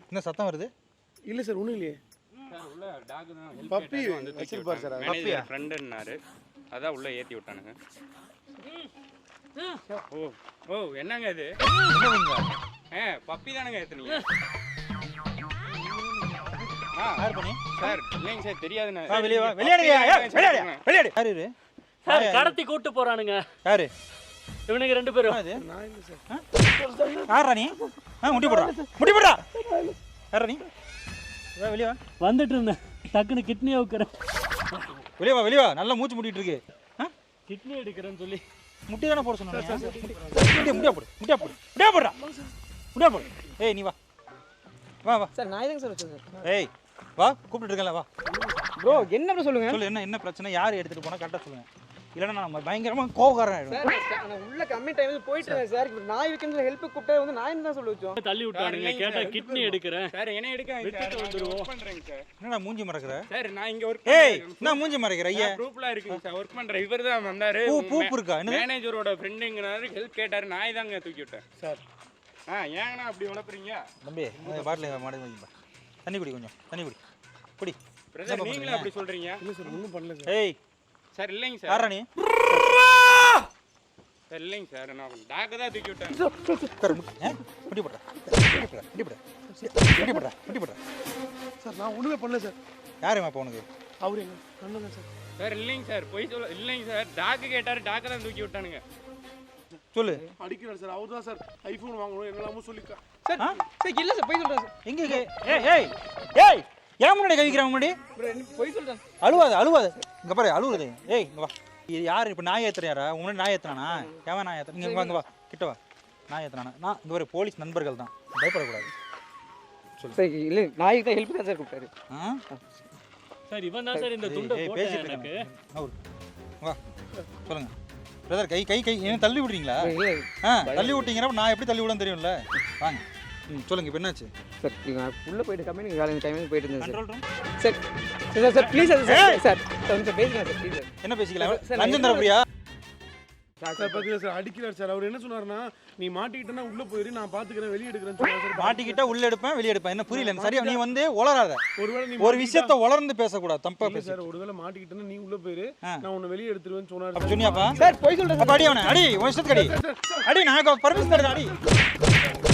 என்ன சத்தம் வருது? இல்லை சார் ஒன்றும் இல்லையே சார் உள்ள டாக் தான் பப்பி வந்து வச்சிருப்பார் சார் மேனேஜர் ஃப்ரெண்டுன்னாரு அதான் உள்ள ஏற்றி விட்டானுங்க. ஓ ஓ என்னங்க இது? பப்பி தானுங்க ஏற்றுனீங்க? யார் பண்ணி? சார் இல்லைங்க சார் தெரியாதுண்ணே. வெளியே வா, வெளியாடு. யாரு? சார் கடத்தி கூட்டு போறானுங்க. யாரு இவனுங்க 2 பேரும். நான் இல்லை சார். யாரா நீ? முட்டி போடுறா. யாரா நீ? வெளியே வா. வந்துட்டு இருந்தேன் டக்குன்னு கிட்னி அவுக்குறேன். வெளியே வா. நல்லா மூச்சு முட்டிட்டு இருக்கு. கிட்னி எடுக்கிறேன்னு சொல்லி முட்டி தானே போட சொன்னாங்க. முடியா போடுறா. ஏய் நீ வா. சார் நான் எதுங்க சார் வச்சிருக்கேன்? ஏய் வா, கூப்பிட்டு இருக்கேன்ல வா. ப்ரோ என்ன ப்ரோ சொல்லுங்க. சொல்லு என்ன பிரச்சனை? யார் எடுத்துட்டு போனா கரெக்டா சொல்லுங்க. இல்லைன்னா நான் பயங்கரமா கோவக்காரன் ஆயிடுவேன். சார் நான் உள்ள கம்மி டைம்ல போயிட்டு இருக்கேன் சார். இப்போ நாய் வைக்கணும் ஹெல்ப் கூப்பிட்டா வந்து நாய் தான் சொல்ல வச்சோம். தள்ளி விட்டானுங்க. கேட்டா கிட்னி எடுக்கிறேன். சார் என்ன எடுக்க விட்டுட்டு வந்துருவோம். பண்றேங்க சார். என்னடா மூஞ்சி மறக்கிற? சார் நான் இங்க ஒர்க் நான் மூஞ்சி மறைக்கிற ஐயா. ப்ரூஃப்லாம் இருக்குங்க சார். ஒர்க் பண்ற இவர் தான் வந்தாரு. பூப் இருக்கா? என்ன மேனேஜரோட ஃப்ரெண்டுங்கனாரு ஹெல்ப் கேட்டாரு. நாய் தாங்க தூக்கி விட்டேன் சார். ஏங்கண்ணா அப்படி உழப்புறீங்க? தம்பி பாட்டில் மாடி வைங்க. தண்ணி குடி, கொஞ்சம் தண்ணி குடி. பிரதர் நீங்களே அப்படி சொல்றீங்க? இல்லை சார் ஒன்றும் பண்ணல சார். ஏய் சார் இல்லைங்க சார். யாரா நீ? சார் இல்லைங்க சார். நான் டாக் தான் தூக்கி விட்டேன். முட்டி போடுறா. சார் நான் ஒன்றுமே பண்ணல சார். யாருமா இப்போ உனக்கு? அவர் எங்க அண்ணன் சார். சார் இல்லைங்க சார். போய் சொல்ல இல்லைங்க சார். டாக் கேட்டாரு. டாக் தான் தூக்கி விட்டானுங்க. சொல்லு. அடிக்கிறார் சார். அவர் தான் சார் ஐஃபோன் வாங்கணும் என்னெல்லாமோ சொல்லிக்கா. சார் சார் இல்ல சார் போய் சொல்றேன் சார். எங்க? ஏய் ஏன் முன்னாடி கவிக்கிறான் முன்னாடி? ப்ரோ போய் சொல்றேன். அழுவாத. இங்க பாரு அழுவுறது. ஏய் இங்க வா. இது யாரு இப்போ நாய் ஏத்துறாரா? முன்னாடி நாய் ஏத்துறானா? ஏன் நாய் ஏத்துற? இங்க வா கிட்ட வா. நாய் ஏத்துறானா? நான் இங்க ஒரு போலீஸ் நண்பர்கள் தான், பயப்படக்கூடாது. சார் இல்ல நாய்க்கு தான் ஹெல்ப் தான் சார் கூப்பிட்டாரு. சார் இவன் தான் சார் இந்த துண்டை போட்டேன் எனக்கு. வா சொல்லுங்க பிரதர். கை ஏன் தள்ளி விடுறீங்களா? தள்ளி விட்டீங்கன்னா நான் எப்படி தள்ளி விடன்னு தெரியும்ல. வாங்க சொல்லுங்க இப்போ என்னாச்சு? சார் நான் உள்ள போயிட்டு கம்பெனி காலையில டைமிங் போயிட்டு இருந்தேன் control room. Sir please sir கொஞ்சம் பேசுங்க சார் ப்ளீஸ். என்ன பேசிக்கலாம்? லஞ்சம் தரப்படியா? சார் பார்த்தீங்களா சார் அடிக்கிறார் சார். அவர் என்ன சொன்னாருன்னா நீ மாட்டிக்கிட்டேன்னா உள்ள போயிரு, நான் பாத்துக்கிறேன் வெளியே எடுக்கிறேன்னு சொன்னார் சார். மாட்டிக்கிட்டா உள்ள எடுப்பேன் வெளியே எடுப்பேன். என்ன புரியல சரியா? நீ வந்து உளராத. ஒருவேளை நீ ஒரு விஷயத்தை உளர்ந்து பேசக்கூடாது, தப்பா பேச. சார் ஒருவேளை மாட்டிக்கிட்டேன்னா நீ உள்ள போயிரு, நான் உன்னை வெளியே எடுத்துருவேன்னு சொன்னாரு. அப்ப சொன்னியாப்பா? சார் போய் சொல்றேன். அடி அவனை அடி, உன் இஷ்டத்துக்கு அடி. நான் பர்மிஷன் தரேன் அடி.